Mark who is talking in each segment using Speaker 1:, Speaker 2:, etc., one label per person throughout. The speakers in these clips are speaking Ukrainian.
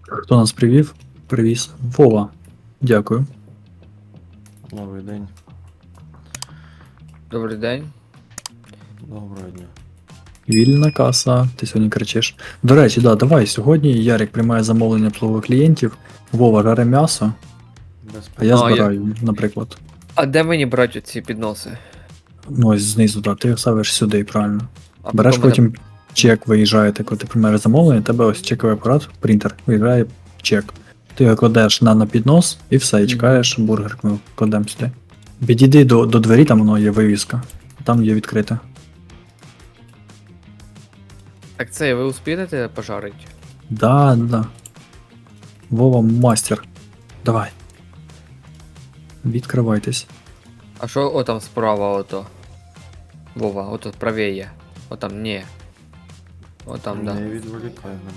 Speaker 1: Хто нас привів? Привіз. Вова. Дякую.
Speaker 2: Новий день.
Speaker 3: Добрий день.
Speaker 2: Доброго дня.
Speaker 1: Вільна каса. Ти сьогодні кричиш. До речі, да, давай сьогодні Ярик приймає замовлення плових клієнтів. Вова жаре м'ясо,
Speaker 2: Без
Speaker 1: а я
Speaker 3: А,
Speaker 1: збираю, наприклад.
Speaker 3: А де мені брати ці підноси?
Speaker 1: Ну ось знизу, так, ти його ставиш сюди, правильно.
Speaker 3: А
Speaker 1: Береш
Speaker 3: мене-
Speaker 1: потім чек, виїжджаєте, коли ти приймаєш замовлення, тебе ось чековий апарат, принтер, виїжджає чек. Ти його кладеш на піднос і все, і
Speaker 3: Мгм.
Speaker 1: чекаєш бургер, ми кладемо сюди. Підійди до двері, там воно є вивіска. Там є відкрите.
Speaker 3: Так це ви успієте пожарити?
Speaker 1: Да, да. Вова мастер. Давай. Відкривайтесь.
Speaker 3: А що отам справа ото? Вова, ото правіє. Отам, ні. Отам, да.
Speaker 2: Не відволікай мене.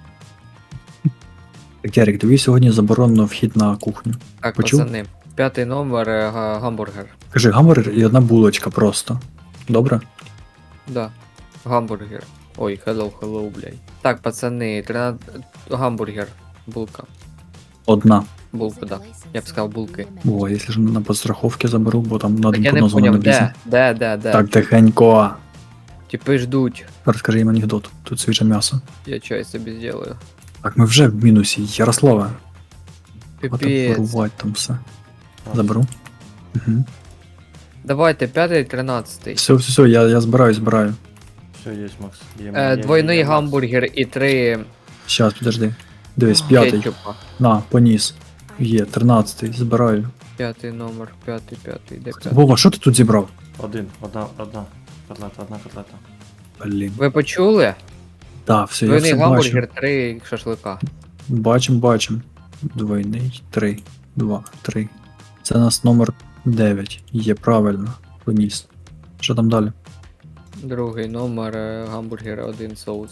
Speaker 1: Так, Ярик, тобі сьогодні заборонено вхід на кухню.
Speaker 3: Так,
Speaker 1: Почув?
Speaker 3: пацани. 5-й номер гамбургер.
Speaker 1: Кажи гамбургер і одна булочка просто. Добре?
Speaker 3: Да. Гамбургер. Ой, hello, блядь. Так, пацани, 13... гамбургер. Булка.
Speaker 1: Одна.
Speaker 3: Булка, да. Я б сказав булки.
Speaker 1: О, якщо ж на подстраховки заберу, бо там на
Speaker 3: Так
Speaker 1: один
Speaker 3: я не
Speaker 1: поднос воно
Speaker 3: поняв,
Speaker 1: не влізе.
Speaker 3: де?
Speaker 1: Так, тихенько.
Speaker 3: Типи ждуть.
Speaker 1: Розкажи їм анекдот. Тут свіже м'ясо.
Speaker 3: Я чай собі зроблю.
Speaker 1: Так, ми вже в мінусі. Ярославе. Хватить
Speaker 3: Піпець.
Speaker 1: ворувати там все. Заберу. Угу.
Speaker 3: Давайте, 5-й, 13-й.
Speaker 1: Все, я збираю.
Speaker 2: Все, є, Макс. Є,
Speaker 3: Двойний
Speaker 2: є, Макс.
Speaker 3: гамбургер і 3
Speaker 1: Щас, підожди. Дивись, п'ятий.
Speaker 3: кетчупа.
Speaker 1: На, поніс. Є, 13-й, збираю.
Speaker 3: 5-й номер, 5-й, де 5-й?
Speaker 1: Вова, що ти тут зібрав?
Speaker 2: Одна котлета.
Speaker 1: Блін.
Speaker 3: Ви почули?
Speaker 1: Да, все, я
Speaker 3: Двойний
Speaker 1: все
Speaker 3: гамбургер,
Speaker 1: бачу.
Speaker 3: 3 шашлика.
Speaker 1: Бачим. Двойний, 3, 2, 3. Це у нас номер 9. Є, правильно. Поніс. Що там далі?
Speaker 3: Другий номер, гамбургер, 1 соус.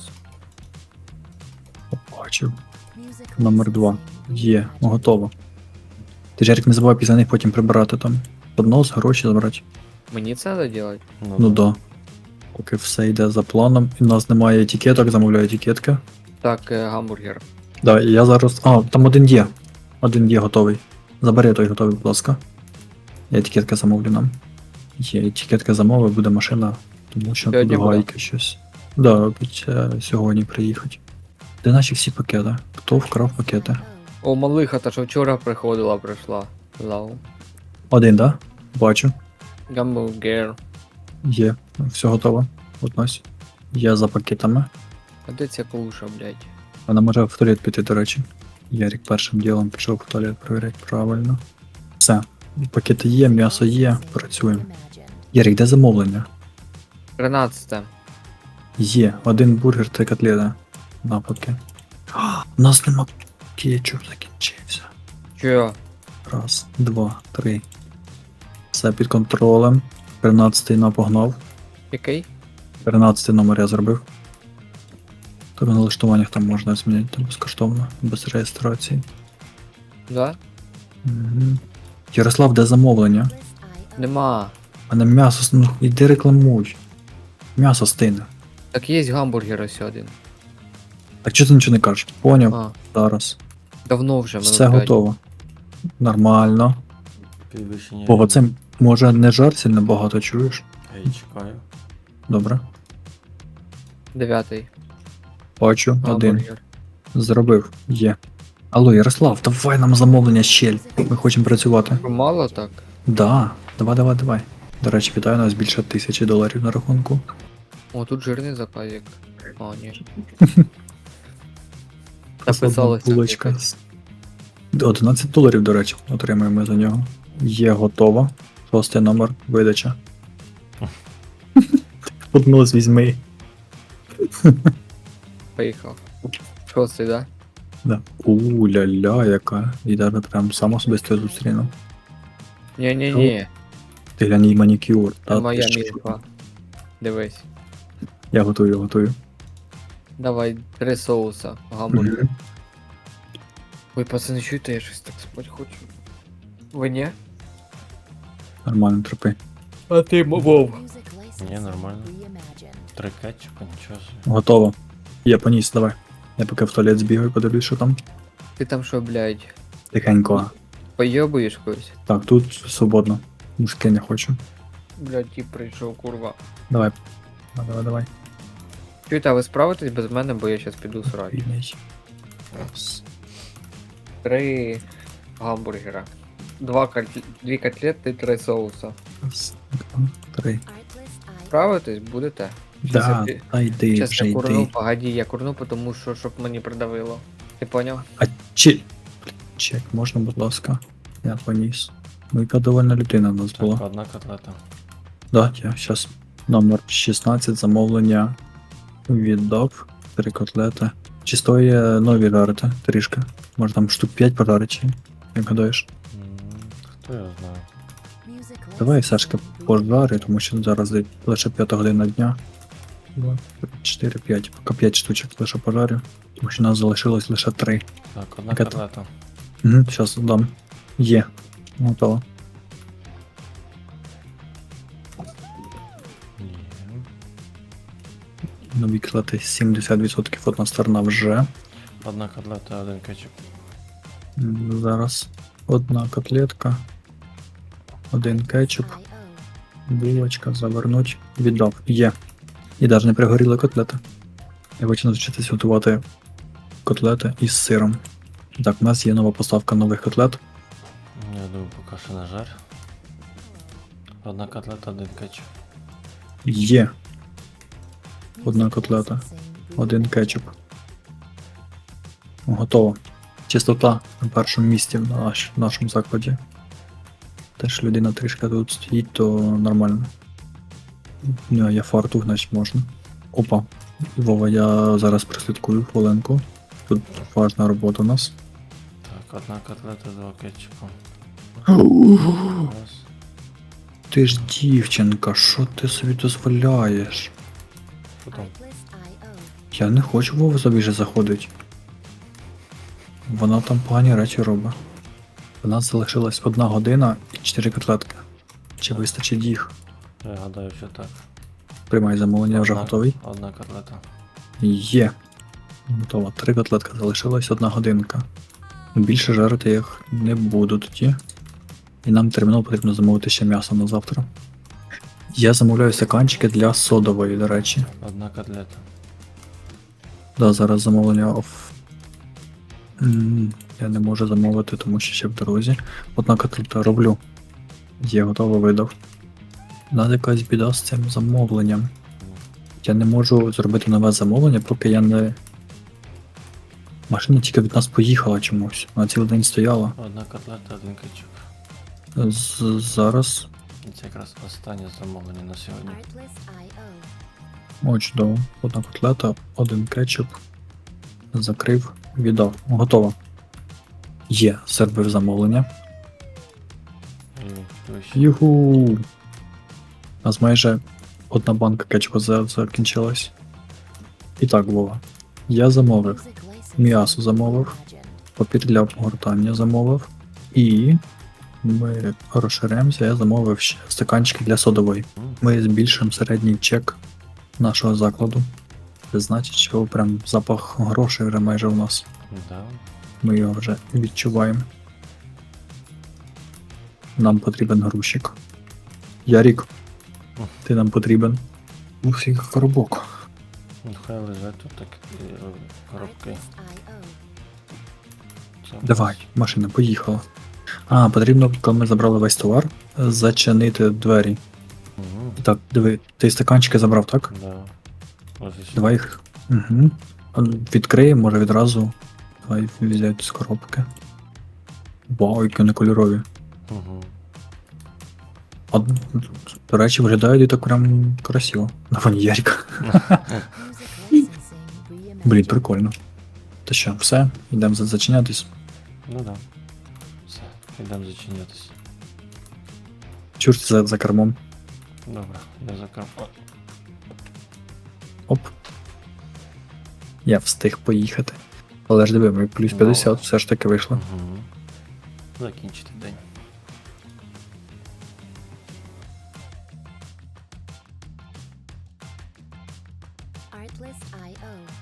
Speaker 1: Бачив. Номер 2. Є, готово. Ти Жарик, не забувай після них потім прибирати там. Поднос, гроші забрати.
Speaker 3: Мені це треба робити?
Speaker 1: Ну да. Поки все йде за планом. І в нас немає етикеток, замовляю етикетки.
Speaker 3: Так, гамбургер.
Speaker 1: Да, і я зараз. А, там один є. Один є готовий. Забери той готовий, будь ласка. Я етикетка замовлю нам. Є етикетка замовив, буде машина, тому що
Speaker 3: Сьогодні
Speaker 1: тут гайки щось. Да, обіцяю сьогодні приїхати. Де наші всі пакети? Хто вкрав пакети?
Speaker 3: О, малиха, та що вчора приходила, прийшла. Лау.
Speaker 1: Один, да? Бачу.
Speaker 3: Гамбургер.
Speaker 1: Є. Все готово. Относь. Я за пакетами.
Speaker 3: А де ця клуша, блядь?
Speaker 1: Вона може в туалет піти, до речі. Ярик першим ділом пішов в туалет перевіряти правильно. Все. Пакети є, м'ясо є, працюємо. Ярик, де замовлення?
Speaker 3: 13-те.
Speaker 1: Є. Один бургер, 3 котлети. На поки. У нас нема кетчуп закінчився.
Speaker 3: Чо?
Speaker 1: Раз, два, три. Все під контролем. 13-й напогнав.
Speaker 3: Який?
Speaker 1: 13-й номер я зробив. Тобто на налаштуваннях там можна змінити там безкоштовно, без реєстрації.
Speaker 3: Да?
Speaker 1: Угу. Ярослав, де замовлення?
Speaker 3: Нема.
Speaker 1: А на м'ясо, ну іди рекламуй. М'ясо стине.
Speaker 3: Так є гамбургер ось один.
Speaker 1: Так чого ти нічого не кажеш? Поняв,
Speaker 3: А,
Speaker 1: зараз.
Speaker 3: давно вже, минут
Speaker 1: Все
Speaker 3: 5.
Speaker 1: готово. Нормально.
Speaker 2: Підвищення.
Speaker 1: Ого, це може не жар сильно багато чуєш?
Speaker 2: Я чекаю.
Speaker 1: Добре.
Speaker 3: 9-й.
Speaker 1: Бачу, один.
Speaker 3: Гамбургер.
Speaker 1: Зробив. Є. Алло, Ярослав, давай нам замовлення щель. Ми хочемо працювати.
Speaker 3: Мало так?
Speaker 1: Да, давай. До речі, вітаю, у нас більше $1000 на рахунку.
Speaker 3: О, тут жирний заказик. О, ні.
Speaker 1: Просто
Speaker 3: Написалось
Speaker 1: одна
Speaker 3: так
Speaker 1: булочка.
Speaker 3: якось.
Speaker 1: $11, до речі, отримаємо за нього. Є готово. 6-й номер, видача. Поднос візьми.
Speaker 3: Поїхав. 6-й, да?
Speaker 1: Да. У-ля-ля, яка. І навіть прям сам особисто зустріну.
Speaker 3: Ні.
Speaker 1: Ти глянь, їй манікюр.
Speaker 3: Це
Speaker 1: Та
Speaker 3: моя
Speaker 1: ти що?
Speaker 3: мітка. Дивись.
Speaker 1: Я готую.
Speaker 3: Давай 3 соуса. Гамбургер.
Speaker 1: Мгм.
Speaker 3: Ой, пацани, чуєте, я щось так спать хочу. Ви ні?
Speaker 1: Нормально, терпи.
Speaker 3: А ти, Вов.
Speaker 2: Ні, нормально. 3 кетчупа, нічого собі.
Speaker 1: Готово. Я поніс, давай. Я поки в туалет збігаю, подивлюсь, що там.
Speaker 3: Ти там що, блядь,
Speaker 1: Тихенько.
Speaker 3: поєбуєш когось?
Speaker 1: Так, тут свободно. Мужики не хочу.
Speaker 3: Блядь, тип прийшов, курва.
Speaker 1: Давай. Давай.
Speaker 3: Чуєте, а ви справитесь без мене, бо я щас піду срати.
Speaker 1: Вільний.
Speaker 3: 3 гамбургера. 2 котлети, 3 соуса.
Speaker 1: Раз, два, три.
Speaker 3: Справитесь, будете?
Speaker 1: Да, та йди,
Speaker 3: Щас
Speaker 1: вже
Speaker 3: я курну,
Speaker 1: йди.
Speaker 3: погоди, я курну, тому що, щоб мені придавило. Ти поняв?
Speaker 1: А чек, можна, будь ласка? Я поніс. Ну, яка довольна людина в нас
Speaker 2: Так,
Speaker 1: була.
Speaker 2: одна котлета.
Speaker 1: Да, я зараз. Номер 16, замовлення. Віддав. 3 котлети. Чи стоїть нові жарити трішки? Може там штук 5 подарити, як гадаєш?
Speaker 2: Хто його знає?
Speaker 1: Давай, Сашка, пожари, тому що зараз лише 5 година дня. 2, 3, 4, 5. Поки 5 штучок лише пожарю. Тому що нас залишилось лише 3.
Speaker 2: Так, одна
Speaker 1: Яка то?
Speaker 2: котлета.
Speaker 1: Угу, зараз дам. Є. Готово.
Speaker 2: Є.
Speaker 1: Нові котлети 70%, одна сторона вже.
Speaker 2: Одна котлета, один кетчуп.
Speaker 1: Зараз одна котлетка. Один кетчуп. Булочка, завернуть. Віддав. Є. І навіть не пригоріли котлети. Я хочу навчитись готувати котлети із сиром. Так, у нас є нова поставка нових котлет.
Speaker 2: Я думаю, поки що на жар. Одна котлета, один кетчуп.
Speaker 1: Є. Одна котлета. Один кетчуп. Готово. Чистота на першому місці в нашому закладі. Теж людина трішки тут стоїть, то нормально. У нього є фартух, значить можна. Опа. Вова, я зараз прослідкую хвилинку. Тут важна робота у нас.
Speaker 2: Так, одна котлета, два кетчупа. Раз.
Speaker 1: Ти ж дівчинка, що ти собі дозволяєш?
Speaker 2: Що там?
Speaker 1: Я не хочу Вова собі вже заходить. Вона там погані речі робить. У нас залишилась 1 година і 4 котлетки. Чи вистачить їх?
Speaker 2: Я гадаю, що так.
Speaker 1: Приймай замовлення, вже готовий.
Speaker 2: Одна котлета.
Speaker 1: Є. Готово. 3 котлетки залишилась, 1 годинка. Більше жарити їх не буду тоді. І нам терміново потрібно замовити ще м'ясо на завтра. Я замовляю стаканчики для содової, до речі.
Speaker 2: Одна котлета.
Speaker 1: Да, зараз замовлення я не можу замовити, тому що ще в дорозі. Одна котлета роблю. Є, готово, видав. Надо якась біда з цим замовленням. Я не можу зробити нове замовлення, поки я не... Машина тільки від нас поїхала чомусь. Вона цілий день стояла.
Speaker 2: Одна котлета, один кетчуп.
Speaker 1: Зараз.
Speaker 2: І це якраз останнє замовлення на сьогодні.
Speaker 1: О, чудово. 1 котлета, 1 кетчуп. Закрив, віддав. Готово. Є, зробив замовлення.
Speaker 2: І вище.
Speaker 1: Юху! У нас майже 1 банка кетчупу закінчилась. І так, Вова. Я замовив. М'ясо замовив. Папір для обгортання замовив. І ми розширяємося, я замовив ще стаканчики для содової. Ми збільшуємо середній чек нашого закладу. Це значить, що прям запах грошей вже майже у нас.
Speaker 2: Да.
Speaker 1: Ми його вже відчуваємо. Нам потрібен грузчик. Ярік, ти нам потрібен. Ух, який коробок.
Speaker 2: Ну, хай лежать тут так коробки. Це
Speaker 1: Давай, машина поїхала. А, потрібно, коли ми забрали весь товар, зачинити двері.
Speaker 2: Угу.
Speaker 1: Так, диви, ти стаканчики забрав, так?
Speaker 2: Да. Ось і
Speaker 1: Давай їх. Угу. Відкриємо, може відразу. Давай взяти з коробки. Вау, які вони кольорові.
Speaker 2: Угу.
Speaker 1: А, до речі, виглядають і так прям красиво. На фоні Ярика. Блін, прикольно. Та що, все, йдемо зачинятись.
Speaker 2: Ну да. Все, йдемо зачинятися.
Speaker 1: Чур ти за кермом.
Speaker 2: Добре, я закрив.
Speaker 1: Оп. Я встиг поїхати. Але ж диви, ми плюс 50 все ж таки вийшло.
Speaker 2: Угу. Закінчити день.
Speaker 4: Artlist.io